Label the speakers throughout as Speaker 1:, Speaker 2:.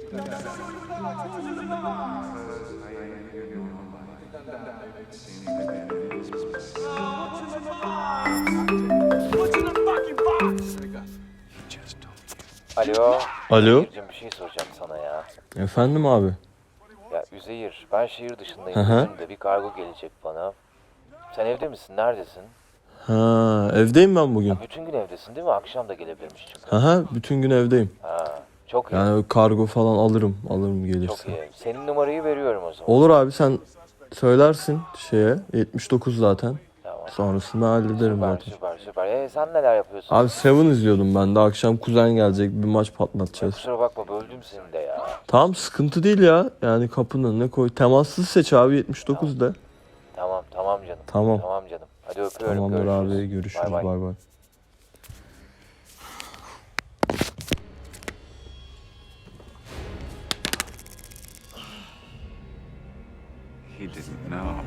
Speaker 1: Alo.
Speaker 2: Alo.
Speaker 1: Üzeyir'cim bir şey soracağım sana ya.
Speaker 2: Efendim abi.
Speaker 1: Ya Üzeyir, ben şehir dışındayım.
Speaker 2: Hı hı.
Speaker 1: Bizim de bir kargo gelecek bana. Sen evde misin? Neredesin?
Speaker 2: Ha, evdeyim ben bugün.
Speaker 1: Ya bütün gün evdesin değil mi? Akşam da gelebilirmiş çünkü.
Speaker 2: Aha, bütün gün evdeyim.
Speaker 1: Ha, çok iyi.
Speaker 2: Yani kargo falan alırım
Speaker 1: Çok
Speaker 2: gelirse.
Speaker 1: iyi. Senin numarayı veriyorum o zaman.
Speaker 2: Olur abi, sen söylersin şeye, 79 zaten.
Speaker 1: Tamam.
Speaker 2: Sonrasını hallederim
Speaker 1: Süper,
Speaker 2: zaten.
Speaker 1: süper, süper. Sen neler yapıyorsun?
Speaker 2: Abi Seven izliyordum ben de. Akşam kuzen gelecek, bir maç
Speaker 1: Ya
Speaker 2: patlatacağız.
Speaker 1: kusura bakma böldüm seni de ya.
Speaker 2: Tamam, sıkıntı değil ya. Yani kapının önüne koy. Temassız seç abi, 79 de.
Speaker 1: Tamam, tamam canım.
Speaker 2: Tamam.
Speaker 1: Tamam canım. Hadi öpüyorum.
Speaker 2: Tamamdır
Speaker 1: Görüşürüz.
Speaker 2: abi, görüşürüz.
Speaker 1: Bay bay.
Speaker 2: Bay bay.
Speaker 3: He didn't know.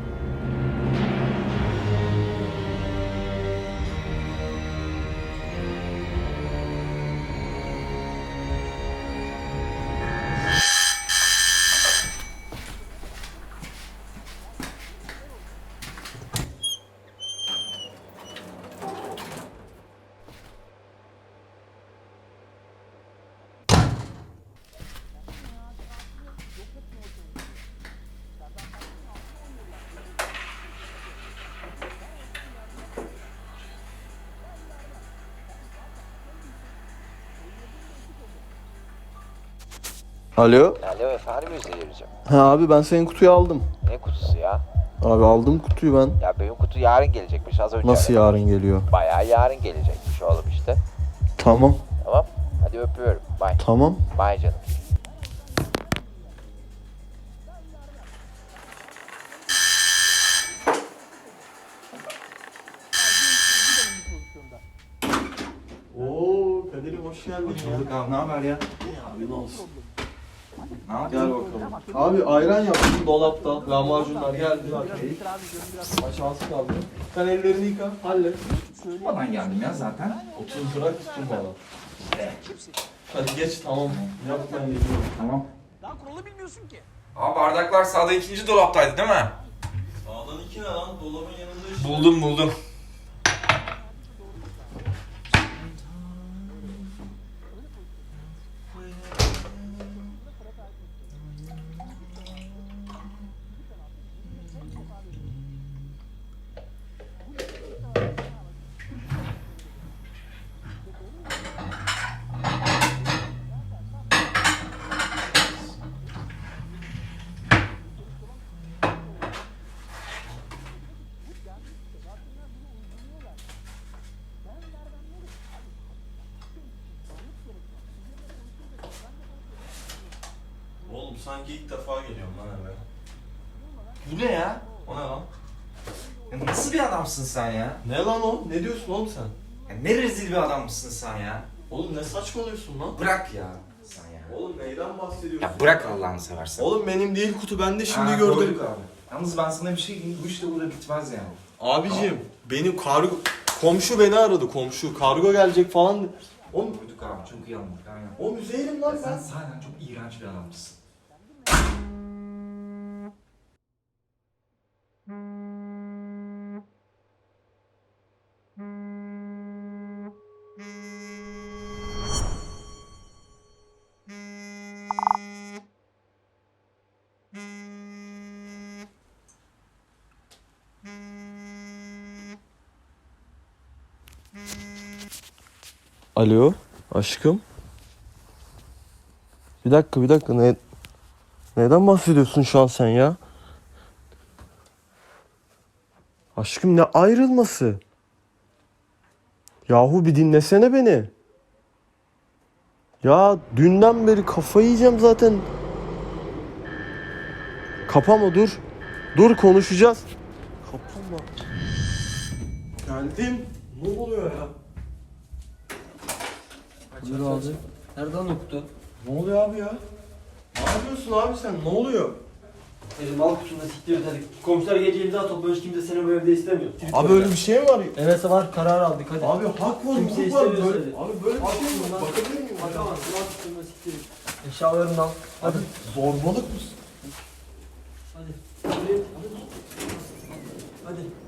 Speaker 2: Alo.
Speaker 1: Alo efendim Üzeyir'cim.
Speaker 2: Ha abi, ben senin kutuyu aldım.
Speaker 1: Ne kutusu ya?
Speaker 2: Abi aldım kutuyu ben.
Speaker 1: Ya benim kutu yarın gelecekmiş az önce.
Speaker 2: Nasıl
Speaker 1: aradım.
Speaker 2: yarın geliyor?
Speaker 1: Bayağı yarın gelecekmiş oğlum işte.
Speaker 2: Tamam.
Speaker 1: Tamam. Hadi öpüyorum. Bye.
Speaker 2: Tamam.
Speaker 1: Bye canım.
Speaker 2: Oo Kadir'im, hoş geldin ya.
Speaker 4: Bulduk abi, ne haber ya?
Speaker 2: Abi ne olsun.
Speaker 4: Ne yaptın?
Speaker 2: Gel bakalım. Abi ayran yaptım dolapta. Lahmacunlar geldi. Maç az kaldı. Sen ellerini yıka. Hallet.
Speaker 4: Tutmadan geldim ya zaten.
Speaker 2: 30 lira tuttum bana. Hadi geç, tamam mı? Yap, ben geliyorum.
Speaker 4: Tamam.
Speaker 5: Daha kuralı bilmiyorsun ki.
Speaker 6: Aa, bardaklar sağda ikinci dolaptaydı değil mi?
Speaker 2: Sağdan 2 ne lan? Dolabın yanında işte.
Speaker 6: Buldum.
Speaker 2: Oğlum sanki ilk defa geliyorum lan eve.
Speaker 4: Bu ne ya?
Speaker 2: O ne lan?
Speaker 4: Ya nasıl bir adamsın sen ya?
Speaker 2: Ne lan o? Ne diyorsun oğlum sen?
Speaker 4: Ya ne rezil bir adammışsın sen ya?
Speaker 2: Oğlum ne saçmalıyorsun lan?
Speaker 4: Bırak ya sen ya.
Speaker 2: Oğlum neyden bahsediyorsun?
Speaker 4: Ya bırak Allah'ını seversen.
Speaker 2: Oğlum benim değil kutu, ben de şimdi
Speaker 4: Ha,
Speaker 2: gördüm.
Speaker 4: gördük abi. Yalnız ben sana bir şey diyeyim, bu iş de burada bitmez yani.
Speaker 2: Abicim benim komşu beni aradı, komşu. Kargo gelecek falan. Oğlum
Speaker 4: Gördük abi, çok iyi anladık aynen.
Speaker 2: o müzeyim
Speaker 4: Ya
Speaker 2: lan
Speaker 4: sen
Speaker 2: ben.
Speaker 4: zaten çok iğrenç bir adammışsın.
Speaker 2: Alo aşkım. Bir dakika, neden bahsediyorsun şu an sen ya? Aşkım ne ayrılması? Yahu bir dinlesene beni. Ya dünden beri kafayı yiyeceğim zaten. Kapama, dur. Dur, konuşacağız. Kapama. Geldim. Ne oluyor ya? Buyur abi.
Speaker 5: Nereden okudu?
Speaker 2: Ne oluyor abi ya? Ne yapıyorsun abi sen? Ne oluyor?
Speaker 5: Elim al kutusunda siktir et hadi. Komşular gece imza toplamış, kimse seni bu evde istemiyor.
Speaker 2: Abi öyle bir şey mi var?
Speaker 5: Evet var, karar aldık hadi.
Speaker 2: Abi hak var,
Speaker 5: Kimse
Speaker 2: hukuk var.
Speaker 5: istemiyor
Speaker 2: Böyle,
Speaker 5: seni.
Speaker 2: abi böyle bir
Speaker 5: Al
Speaker 2: şey mi
Speaker 5: kutusunu
Speaker 2: var?
Speaker 5: lan.
Speaker 2: Bakabilir miyim?
Speaker 5: Bakamazsın, al kutusunda siktir et. Eşyalarını al. Hadi.
Speaker 2: Zorbalık mısın?
Speaker 5: Hadi. Hadi. Hadi.